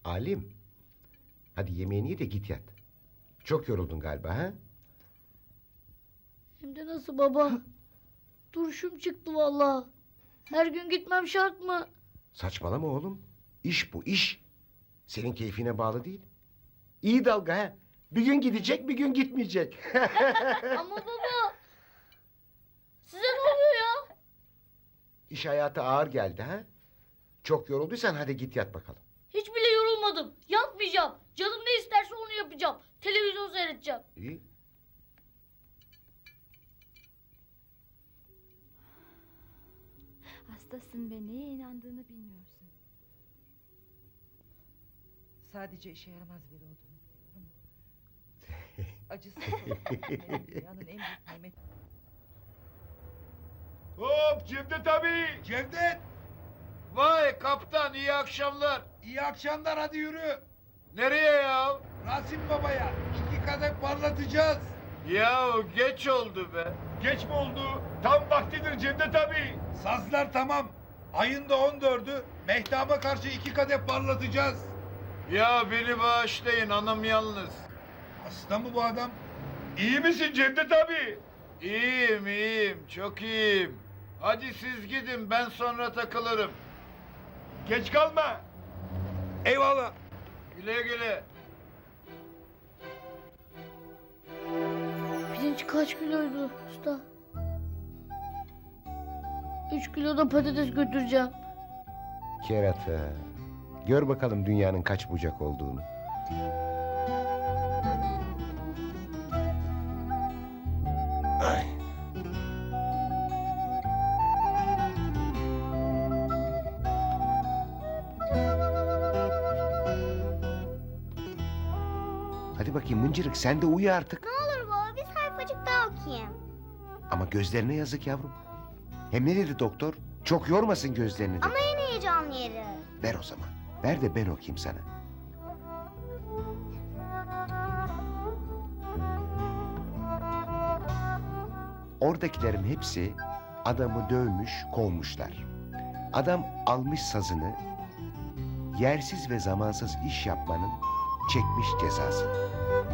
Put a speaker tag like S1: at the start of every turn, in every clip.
S1: Alim, hadi yemeğini ye de git yat. Çok yoruldun galiba ha?
S2: Hem de nasıl baba? Duruşum çıktı vallahi. Her gün gitmem şart mı?
S1: Saçmalama oğlum. İş bu iş. Senin keyfine bağlı değil. İyi dalga ha. Bir gün gidecek, bir gün gitmeyecek.
S2: Ama baba. Size ne oluyor ya?
S1: İş hayatı ağır geldi ha? Çok yorulduysan hadi git yat bakalım.
S2: Hiç bile yorulmadım. Yatmayacağım. Canım ne isterse onu yapacağım. Televizyon seyredeceğim.
S1: İyi.
S3: Hastasın ve neye inandığını bilmiyorsun.
S4: Sadece işe yaramaz biri olduğunu biliyorum. Acısı benim dünyanın en büyük nimet.
S5: Hop Cevdet abi.
S6: Cevdet,
S5: Vay kaptan iyi akşamlar.
S6: iyi akşamlar, hadi yürü.
S5: Nereye ya?
S6: Rasim Baba'ya 2 kadeh parlatacağız.
S5: Ya geç oldu be. Geç mi oldu? Tam vaktidir Cevdet abi.
S6: Sazlar tamam. Ayın da 14'ü. Mehtaba karşı 2 kadeh parlatacağız.
S5: Ya beni bağışlayın anam yalnız.
S6: Hasta mı bu adam?
S5: İyi misin Cevdet abi? İyiyim iyiyim çok iyiyim. Hadi siz gidin ben sonra takılırım. Geç kalma.
S6: Eyvallah.
S5: Güle güle.
S2: Pirinç kaç kiloydu usta? 3 kilo da patates götüreceğim.
S1: Kerata. Gör bakalım dünyanın kaç bucak olduğunu. Ay. Hadi bakayım Mıncırık sen de uyu artık.
S7: Ne olur baba bir sayfacık daha okuyayım.
S1: Ama gözlerine yazık yavrum. Hem ne dedi doktor? Çok yormasın gözlerini dedi.
S7: Ama en heyecanlı yeri.
S1: Ver o zaman. Ver de ben okuyayım sana. Oradakilerin hepsi adamı dövmüş, kovmuşlar. Adam almış sazını, yersiz ve zamansız iş yapmanın çekmiş cezasını.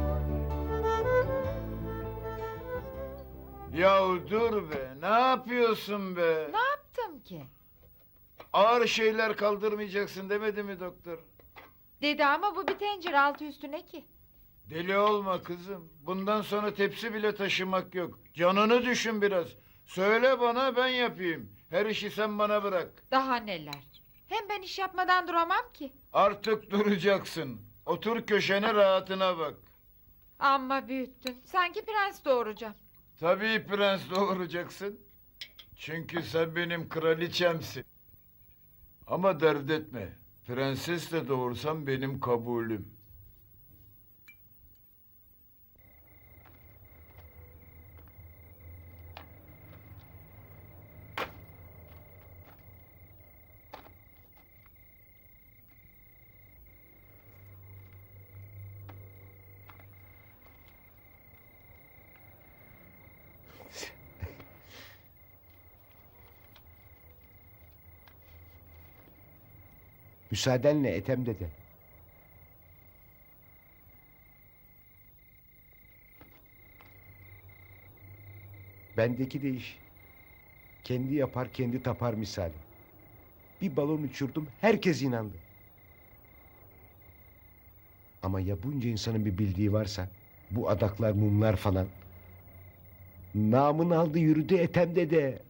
S5: Yahu dur be ne yapıyorsun be?
S4: Ne yaptım ki?
S5: Ağır şeyler kaldırmayacaksın demedi mi doktor?
S4: Dedi ama bu bir tencere altı üstüne ki.
S5: Deli olma kızım. Bundan sonra tepsi bile taşımak yok. Canını düşün biraz. Söyle bana ben yapayım. Her işi sen bana bırak.
S4: Daha neler. Hem ben iş yapmadan duramam ki.
S5: Artık duracaksın. Otur köşene rahatına bak.
S4: Amma büyüttün. Sanki prens doğuracağım.
S5: Tabii prens doğuracaksın. Çünkü sen benim kraliçemsin. Ama dert etme. Prenses de doğursam benim kabulüm.
S1: Müsaadenle Ethem dede. Bendeki de iş. Kendi yapar kendi tapar misali. Bir balon uçurdum herkes inandı. Ama ya bunca insanın bir bildiği varsa bu adaklar mumlar falan. Namını aldı yürüdü Ethem dede.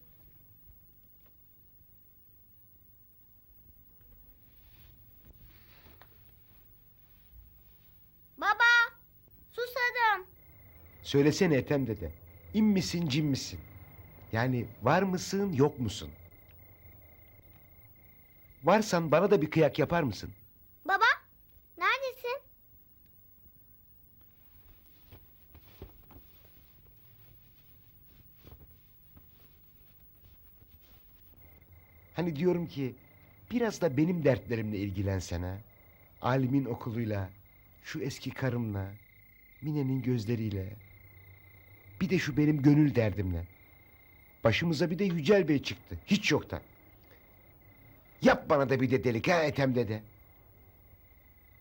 S7: Baba susadım.
S1: Söylesene Ethem dede. İn misin cin misin? Yani var mısın yok musun? Varsan bana da bir kıyak yapar mısın?
S7: Baba neredesin?
S1: Hani diyorum ki biraz da benim dertlerimle ilgilensen ha. Alimin okuluyla, şu eski karımla, Mine'nin gözleriyle. Bir de şu benim gönül derdimle. Başımıza bir de Yücel Bey çıktı. Hiç yoktan. Yap bana da bir de delik ha Ethem dede.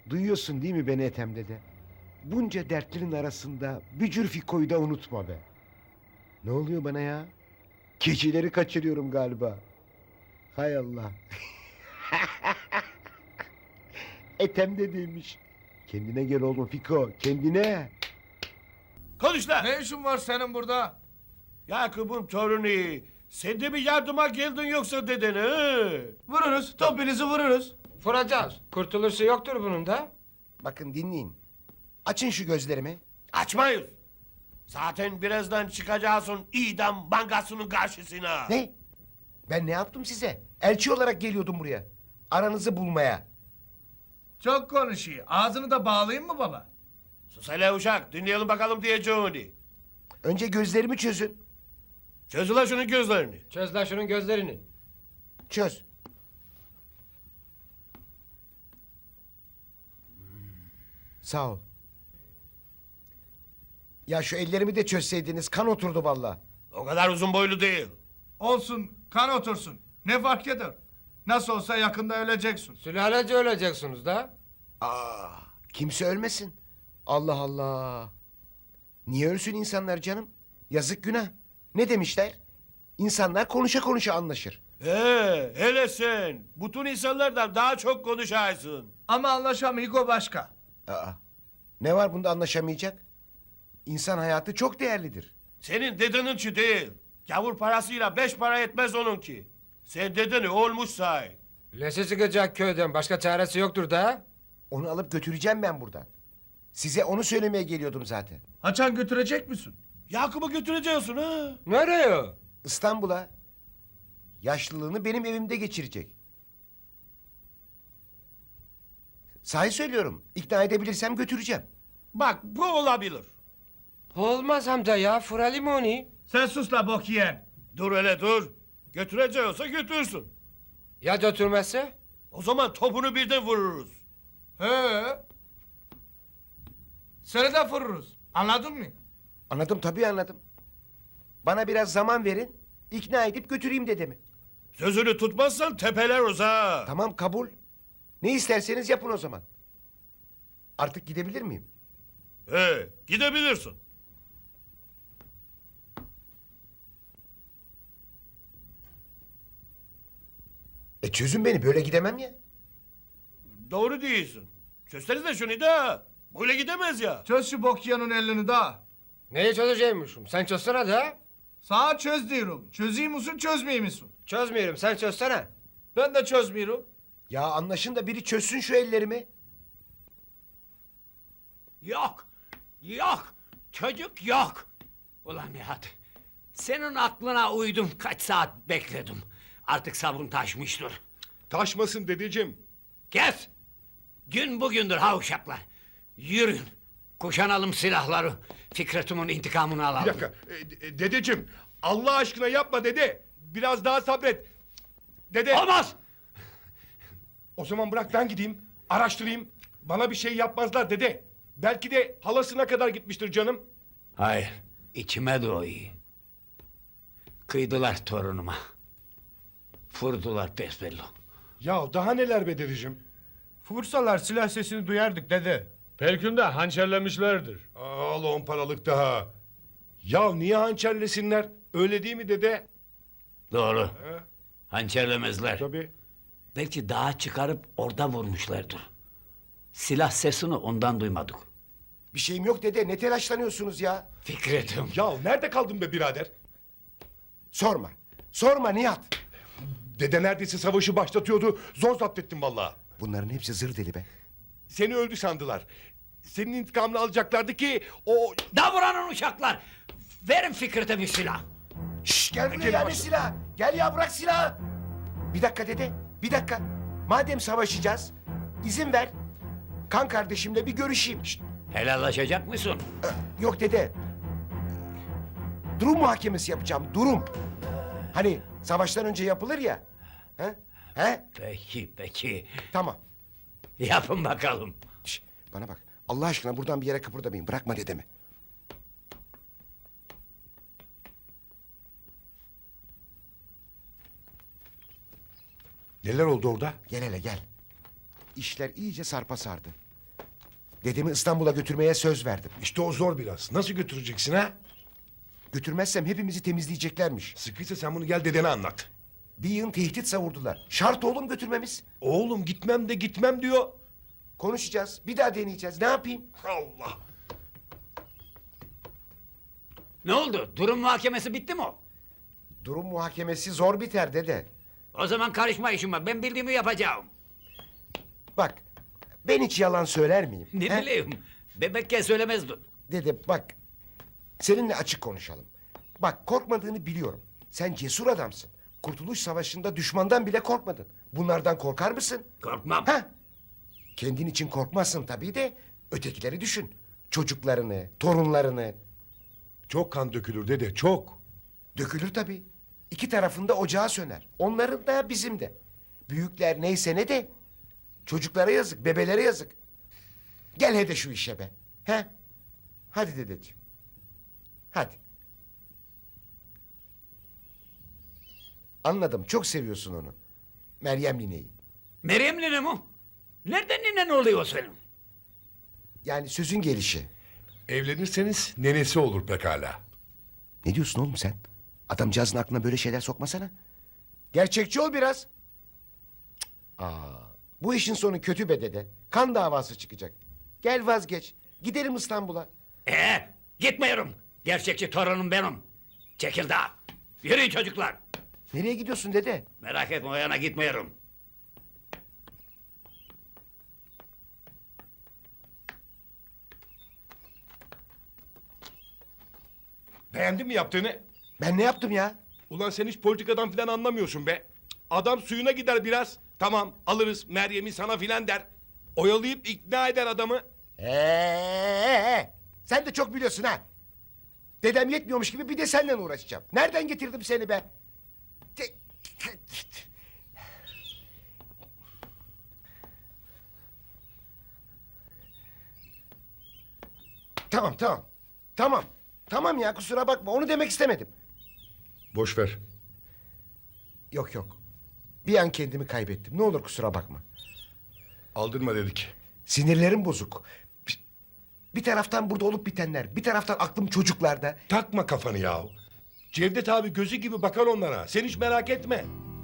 S1: Duyuyorsun değil mi beni Ethem dede? Bunca dertlerin arasında Bücür Fiko'yu da unutma be. Ne oluyor bana ya? Keçileri kaçırıyorum galiba. Hay Allah. Ethem dedeymiş. Kendine gel oğlum Fiko, kendine.
S8: Konuş lan.
S6: Ne işin var senin burada?
S8: Yakup'un torunu. Sen de mi yardıma geldin yoksa dedene? He?
S6: Vururuz, topinizi vururuz.
S9: Vuracağız. Kurtuluşu yoktur bunun da.
S1: Bakın dinleyin. Açın şu gözlerimi.
S8: Açmayız. Zaten birazdan çıkacaksın idam bankasının karşısına.
S1: Ne? Ben ne yaptım size? Elçi olarak geliyordum buraya. Aranızı bulmaya.
S6: Çok konuşuyor. Ağzını da bağlayayım mı baba?
S8: Sus hele uşak dinleyelim bakalım diyeceğini.
S1: Önce gözlerimi çözün.
S8: Çöz ulan şunun gözlerini.
S9: Çöz lan şunun gözlerini.
S1: Çöz. Sağ ol. Ya şu ellerimi de çözseydiniz kan oturdu vallahi.
S8: O kadar uzun boylu değil.
S6: Olsun, kan otursun. Ne fark eder? Nasıl olsa yakında öleceksin.
S9: Sülalece öleceksiniz da.
S1: Aa, kimse ölmesin. Allah Allah. Niye ölsün insanlar canım? Yazık günah. Ne demişler? İnsanlar konuşa konuşa anlaşır.
S8: Hele sen. Bütün insanlardan daha çok konuşarsın.
S6: Ama anlaşamıyor başka.
S1: Aa, ne var bunda anlaşamayacak? İnsan hayatı çok değerlidir.
S8: Senin dedeninki değil. Gavur parasıyla 5 para etmez onunki. Sen dedeni olmuş say.
S9: Nesi çıkacak köyden? Başka çaresi yoktur da.
S1: Onu alıp götüreceğim ben buradan. Size onu söylemeye geliyordum zaten.
S6: Haçan götürecek misin?
S8: Yakup'u götüreceksin ha.
S9: Nereye o?
S1: İstanbul'a. Yaşlılığını benim evimde geçirecek. Sahi söylüyorum. İkna edebilirsem götüreceğim.
S8: Bak bu olabilir.
S9: Olmaz amca ya. Fıralım onu.
S6: Sen sus la bok yiyen.
S8: Dur hele dur. Götüreceğiyorsa götürsün.
S9: Ya götürmezse?
S8: O zaman topunu birden vururuz.
S6: He. Seni de vururuz. Anladın mı?
S1: Anladım tabii anladım. Bana biraz zaman verin. İkna edip götüreyim dedemi.
S8: Sözünü tutmazsan tepeler uza.
S1: Tamam kabul. Ne isterseniz yapın o zaman. Artık gidebilir miyim?
S8: Gidebilirsin.
S1: Çözün beni böyle gidemem ya.
S8: Doğru değilsin. Çözsenize şunu da. Böyle gidemez ya.
S6: Çöz şu bok yiyenin elini daha.
S9: Neyi çözeceğimmişim? Sen çözsene de.
S6: Sana çöz diyorum. Çözeyim misin çözmeyeyim misin?
S9: Çözmüyorum. Sen çözsene.
S6: Ben de çözmüyorum.
S1: Ya anlaşın da biri çözsün şu ellerimi.
S10: Yok, yok, çocuk yok. Ulan Nihat, senin aklına uydum, kaç saat bekledim. Artık sabrım taşmıştır.
S5: Taşmasın dedeciğim.
S10: Kes! Gün bugündür ha uşaklar. Yürün, kuşanalım silahları, Fikret'imin intikamını alalım.
S5: Bir dakika. Dedeciğim Allah aşkına yapma dede. Biraz daha sabret. Dede.
S10: Olmaz!
S5: O zaman bırak ben gideyim. Araştırayım. Bana bir şey yapmazlar dede. Belki de halasına kadar gitmiştir canım.
S10: Hayır, içime doğuyor. Kıydılar torunuma. Vurdular besbelli.
S5: Ya daha neler be dedeciğim.
S6: Vursalar silah sesini duyardık dede.
S8: Pelkünde hançerlemişlerdir.
S5: Al 10 paralık daha. Ya niye hançerlesinler? Öyle değil mi dede?
S10: Doğru, hançerlemezler.
S5: Tabii.
S10: Belki dağa çıkarıp orada vurmuşlardır. Silah sesini ondan duymadık.
S1: Bir şeyim yok dede. Ne telaşlanıyorsunuz ya?
S10: Fikret'im.
S5: Ya nerede kaldın be birader?
S1: Sorma. Sorma Nihat.
S5: Dede neredeyse savaşı başlatıyordu. Zor zapt ettim vallahi.
S1: Bunların hepsi zır deli be.
S5: Seni öldü sandılar. Senin intikamını alacaklardı ki o...
S10: Davranın uşaklar! Verin Fikret'e bir silah.
S1: Şşş gel buraya
S5: Gel
S1: ya ne
S5: başla.
S1: silah? Gel ya bırak silahı. Bir dakika dede. Bir dakika. Madem savaşacağız izin ver. Kan kardeşimle bir görüşeyim. Şşt,
S10: Helallaşacak mısın?
S1: yok dede. Durum muhakemesi yapacağım. Durum. Hani savaştan önce yapılır ya. He? He?
S10: Peki.
S1: Tamam.
S10: Yapın bakalım.
S1: Şşt, bana bak. Allah aşkına buradan bir yere kıpırdamayın. Bırakma dedemi.
S5: Neler oldu orada?
S1: Gel hele gel. İşler iyice sarpa sardı. Dedemi İstanbul'a götürmeye söz verdim.
S11: İşte o zor biraz. Nasıl götüreceksin ha?
S1: Götürmezsem hepimizi temizleyeceklermiş.
S11: Sıkıysa sen bunu gel dedene anlat.
S1: Bir yığın tehdit savurdular. Şart oğlum götürmemiz.
S11: Oğlum gitmem de gitmem diyor.
S1: Konuşacağız. Bir daha deneyeceğiz. Ne yapayım?
S11: Allah.
S10: Ne oldu? Durum muhakemesi bitti mi o?
S1: Durum muhakemesi zor biter dede.
S10: O zaman karışma işime. Ben bildiğimi yapacağım.
S1: Bak, ben hiç yalan söyler miyim?
S10: Ne
S1: he?
S10: bileyim. Bebekken söylemezdin.
S1: Dede bak, seninle açık konuşalım. Bak korkmadığını biliyorum. Sen cesur adamsın. Kurtuluş Savaşı'nda düşmandan bile korkmadın. Bunlardan korkar mısın?
S10: Korkmam.
S1: Ha? Kendin için korkmazsın tabii de ötekileri düşün. Çocuklarını, torunlarını.
S11: Çok kan dökülür dede, çok.
S1: Dökülür tabii. İki tarafında ocağı söner. Onların da bizim de. Büyükler neyse ne de. Çocuklara yazık, bebelere yazık. Gel hede şu işe be. He? Hadi dedeciğim. Hadi. Anladım, çok seviyorsun onu. Meryem nineyi.
S10: Meryem nene mi? Nereden ninen oluyor senin?
S1: Yani sözün gelişi.
S11: Evlenirseniz nenesi olur pekala.
S1: Ne diyorsun oğlum sen? Adamcağızın aklına böyle şeyler sokmasana. Gerçekçi ol biraz. Cık. Bu işin sonu kötü be dede. Kan davası çıkacak. Gel vazgeç. Gidelim İstanbul'a.
S10: Gitmiyorum. Gerçekçi torunum benim. Çekil daha. Yürüyün çocuklar.
S1: Nereye gidiyorsun dede?
S10: Merak etme o yana gitmiyorum.
S11: Beğendin mi yaptığını?
S1: Ben ne yaptım ya?
S11: Ulan sen hiç politikadan falan anlamıyorsun be. Adam suyuna gider biraz. Tamam alırız Meryem'i sana filan der. Oyalayıp ikna eder adamı.
S1: Sen de çok biliyorsun ha. Dedem yetmiyormuş gibi bir de seninle uğraşacağım. Nereden getirdim seni be? Tamam tamam. Tamam. Tamam ya kusura bakma onu demek istemedim.
S11: Boş ver.
S1: Yok yok. Bir an kendimi kaybettim. Ne olur kusura bakma.
S11: Aldırma dedik.
S1: Sinirlerim bozuk. Bir taraftan burada olup bitenler, bir taraftan aklım çocuklarda.
S11: Takma kafanı ya. Cevdet abi gözü gibi bakar onlara. Sen hiç merak etme.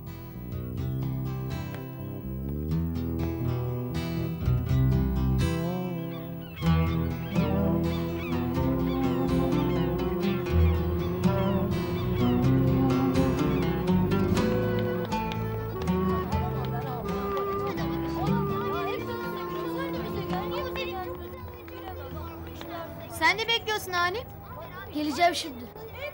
S3: Sen ne bekliyorsun Halim?
S2: Geleceğim şimdi.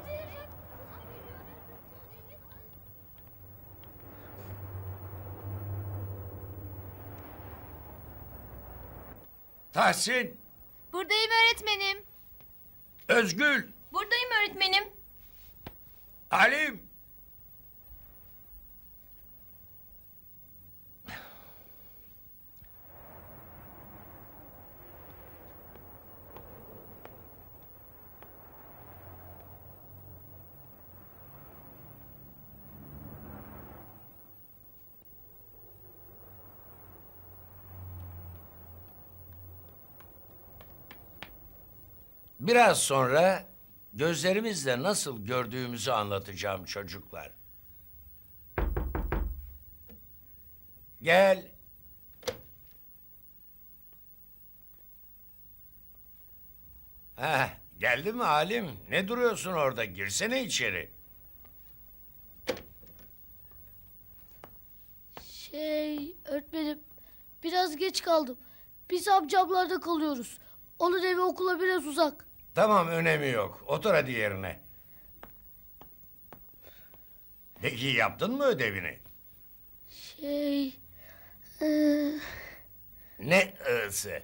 S10: Tahsin,
S3: Buradayım öğretmenim.
S10: Özgül,
S3: Buradayım öğretmenim.
S10: Halim.
S12: Biraz sonra gözlerimizle nasıl gördüğümüzü anlatacağım çocuklar. Gel. Geldi mi Halim? Ne duruyorsun orada? Girsene içeri.
S2: Öğretmenim biraz geç kaldım. Biz amcamlarda kalıyoruz. Onun evi okula biraz uzak.
S12: Tamam, önemi yok. Otur hadi yerine. Peki yaptın mı ödevini? Ne ısı?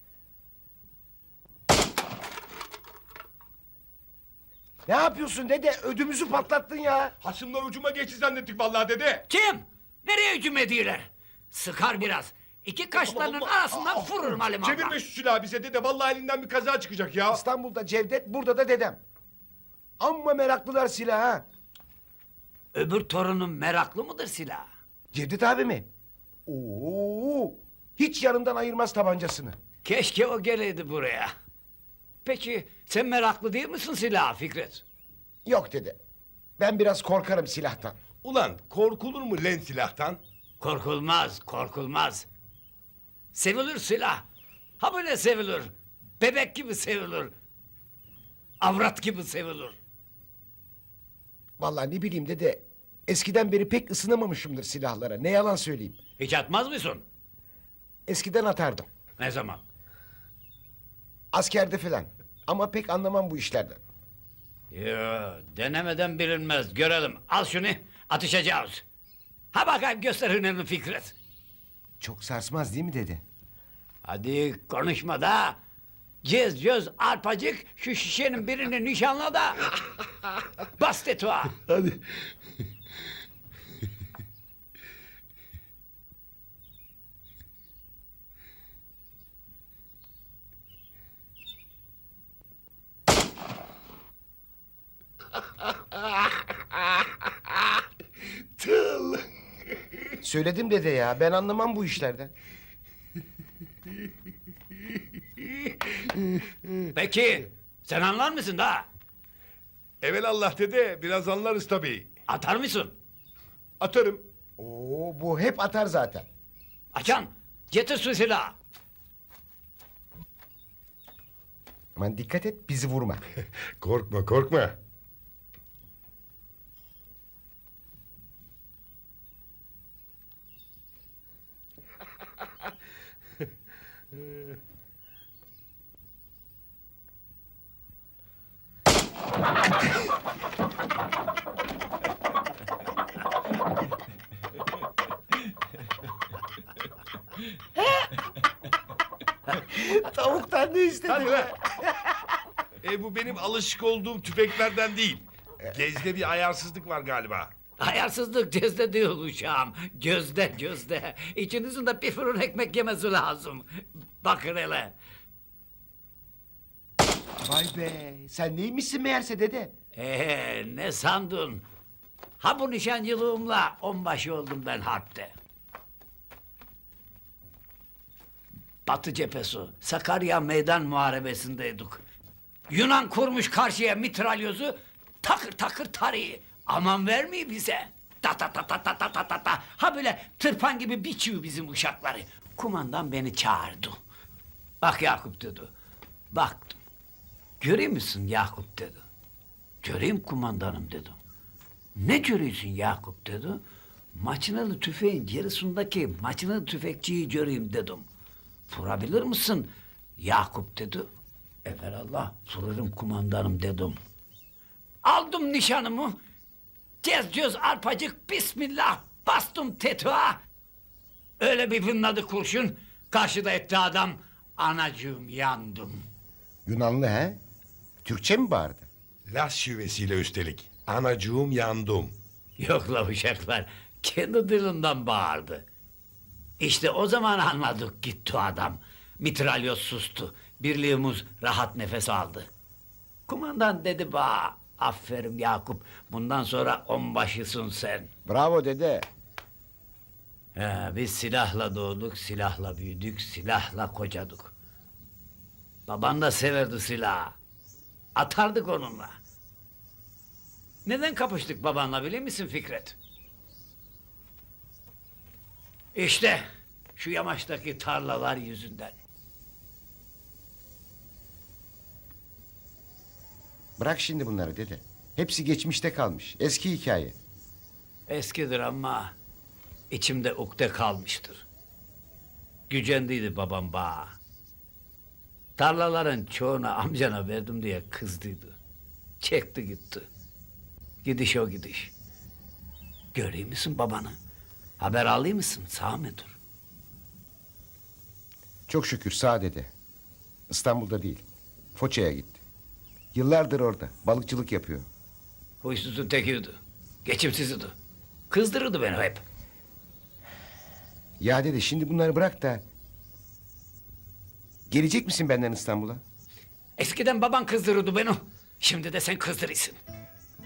S1: Ne yapıyorsun dede? Ödümüzü patlattın ya.
S11: Hasımlar ucuma geçti zannettik vallahi dede.
S10: Kim? Nereye hücum ediyorlar? Sıkar biraz. İki kaşlarının arasından vururum Halim abla.
S11: Çevirme şu silahı bize dede. Vallahi elinden bir kaza çıkacak ya.
S1: İstanbul'da Cevdet, burada da dedem. Amma meraklılar silah ha.
S10: Öbür torunun meraklı mıdır silah?
S1: Cevdet abi mi? Hiç yanından ayırmaz tabancasını.
S10: Keşke o geleydi buraya. Peki sen meraklı değil misin silaha Fikret?
S1: Yok dede. Ben biraz korkarım silahtan.
S11: Ulan korkulur mu len silahtan?
S10: Korkulmaz, korkulmaz. Sevilir silah. Ha böyle sevilir. Bebek gibi sevilir. Avrat gibi sevilir.
S1: Vallahi ne bileyim dede. Eskiden beri pek ısınamamışımdır silahlara. Ne yalan söyleyeyim.
S10: Hiç atmaz mısın?
S1: Eskiden atardım.
S10: Ne zaman?
S1: Askerde falan. Ama pek anlamam bu işlerden.
S10: Yo, denemeden bilinmez. Görelim. Al şunu, atışacağız. Ha bakayım göster hünerini Fikret.
S1: Çok sarsmaz değil mi dede?
S10: Hadi konuşma da. Cez cöz arpacık şu şişenin birini nişanla da. Bas tetuğa.
S11: Hadi. Tıl.
S1: Söyledim dede ya. Ben anlamam bu işlerden.
S10: Peki sen anlar mısın da?
S11: Evelallah dede biraz anlarız tabii.
S10: Atar mısın?
S11: Atarım.
S1: Oo, bu hep atar zaten.
S10: Açan getir şu silahı.
S1: Aman dikkat et bizi vurma.
S11: Korkma korkma.
S1: Tavuktan ne istedin?
S11: Hadi be. Bu benim alışık olduğum tüfeklerden değil. Gezde bir ayarsızlık var galiba.
S10: Ayarsızlık cezde değil uşağım. Gözde gözde. İçinizin de bir fırın ekmek yemesi lazım. Bakın hele.
S1: Vay be. Sen neymişsin meğerse dede?
S10: Ne sandın? Ha bu nişancılığımla onbaşı oldum ben harpte. Batı cephesi, Sakarya meydan muharebesindeydik. Yunan kurmuş karşıya mitralyozu, takır takır tarihi. Aman vermiyor bize. Ta ta ta ta ta ta ta ta ta. Ha böyle tırpan gibi biçiyor bizim uşakları. Kumandan beni çağırdı. Bak Yakup dedi. Baktım. Görüyor musun Yakup dedi. Göreyim kumandanım dedim. Ne görüyorsun Yakup dedi. Maçınalı tüfeğin gerisindeki maçınalı tüfekçiyi göreyim dedim. Vurabilir misin Yakup dedi. Evelallah vurarım kumandanım dedim. Aldım nişanımı. Cez göz arpacık bismillah bastım tetuğa. Öyle bir fınladı kurşun. Karşıda etti adam. Anacığım yandım.
S1: Yunanlı he? Türkçe mi bağırdı?
S11: Las şivesiyle üstelik. Anacığım yandım.
S10: Yok la uşaklar. Kendi dilinden bağırdı. İşte o zaman anladık gitti adam. Mitralyoz sustu. Birliğimiz rahat nefes aldı. Kumandan dedi ba, aferin Yakup. Bundan sonra onbaşısın sen.
S1: Bravo dede.
S10: Biz silahla doğduk, silahla büyüdük, silahla kocadık. Baban da severdi silahı. Atardık onunla. Neden kapıştık babanla biliyor musun Fikret? İşte şu yamaçtaki tarlalar yüzünden.
S1: Bırak şimdi bunları dede. Hepsi geçmişte kalmış. Eski hikaye.
S10: Eskidir ama içimde ukde kalmıştır. Gücendiydi babam bana. Tarlaların çoğunu amcana verdim diye kızdıydı. Çekti gitti. Gidiş o gidiş. Göreyim misin babanı? Haber alayım mısın? Sağ mıdır?
S1: Çok şükür sağ dede. İstanbul'da değil. Foça'ya gitti. Yıllardır orada. Balıkçılık yapıyor.
S10: Huysuzun tekiydi. Geçimsizdi. Kızdırırdı beni hep.
S1: Ya dede şimdi bunları bırak da... Gelecek misin benden İstanbul'a?
S10: Eskiden baban kızdırırdı beni. Şimdi de sen kızdırırsın.